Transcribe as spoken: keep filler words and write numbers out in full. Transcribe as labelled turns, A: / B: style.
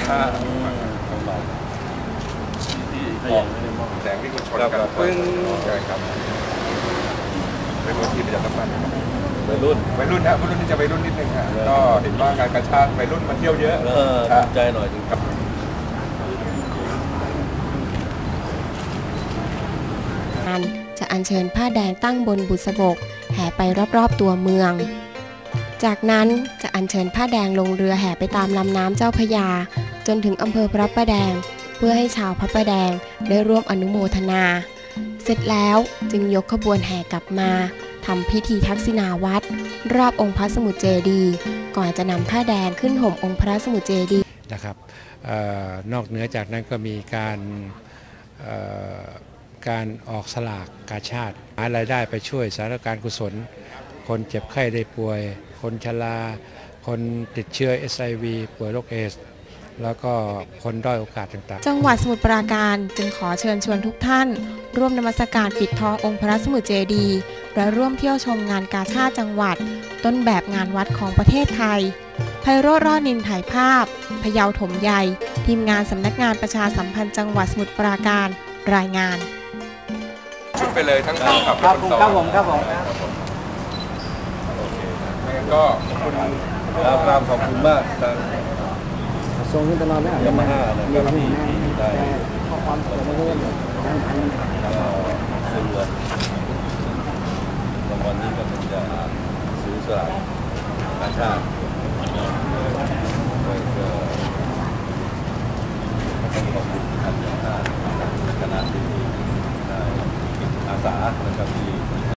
A: ถ้าของเราที่มองแสงที่มันชนกันปึ้งใช่ครับเป็นรุ่นที่ประหยัดน้ำมันวัยรุ่นวัยรุ่นนะวัยรุ่นที่จะวัยรุ่นนิดนึงฮะก็เห็นว่าการกระชากวัยรุ่นมาเที่ยวเยอะ
B: ใจหน่อยจริงครับ
C: จะอัญเชิญผ้าแดงตั้งบนบุษบกแห่ไปรอบๆตัวเมืองจากนั้นจะอัญเชิญผ้าแดงลงเรือแห่ไปตามลำน้ำเจ้าพระยาจนถึงอำเภอพระประแดงเพื่อให้ชาวพระประแดงได้ร่วมอนุโมทนาเสร็จแล้วจึงยกขบวนแห่กลับมาทำพิธีทักษิณาวัตรรอบองค์พระสมุทรเจดีย์ก่อนจะนำผ้าแดงขึ้นห่มองค์พระสมุทรเจดีย์
D: นะครับนอกเหนือจากนั้นก็มีการการออกสลากกาชาดหารายได้ไปช่วยสาธารณการกุศลคนเจ็บไข้ได้ป่วยคนชราคนติดเชื้อ เอช ไอ วี ป่วยโรคเอดส์แล้วก็คนด้อยโอกาสต่างๆ
C: จังหวัดสมุทรปราการจึงขอเชิญชวนทุกท่านร่วมนมัสการปิดทององค์พระสมุทรเจดีย์และร่วมเที่ยวชมงานกาชาดจังหวัดต้นแบบงานวัดของประเทศไทยไพโรจน์ รอดนินถ่ายภาพพะเยาถมใหญ่ทีมงานสำนักงานประชาสัมพันธ์จังหวัดสมุทรปราการรายงาน
A: ไปเลยทั้งคู่ครับ
B: ครับผมครับผมครับผม
A: ก็ขอบคุณ
B: ครับขอบคุณมากทาง
E: ส่งขึ้นตลอดไหม
B: ยามาฮ่านะครับที่ได้
E: ข้อความส่งมาเรื่อยๆ
B: ซื้อรางวัลนี้ก็เป็นจะซื้อสลากกาชาดก็ต้องขอบคุณทางยามาฮ่าคณะที่ได้อาสานะครับที่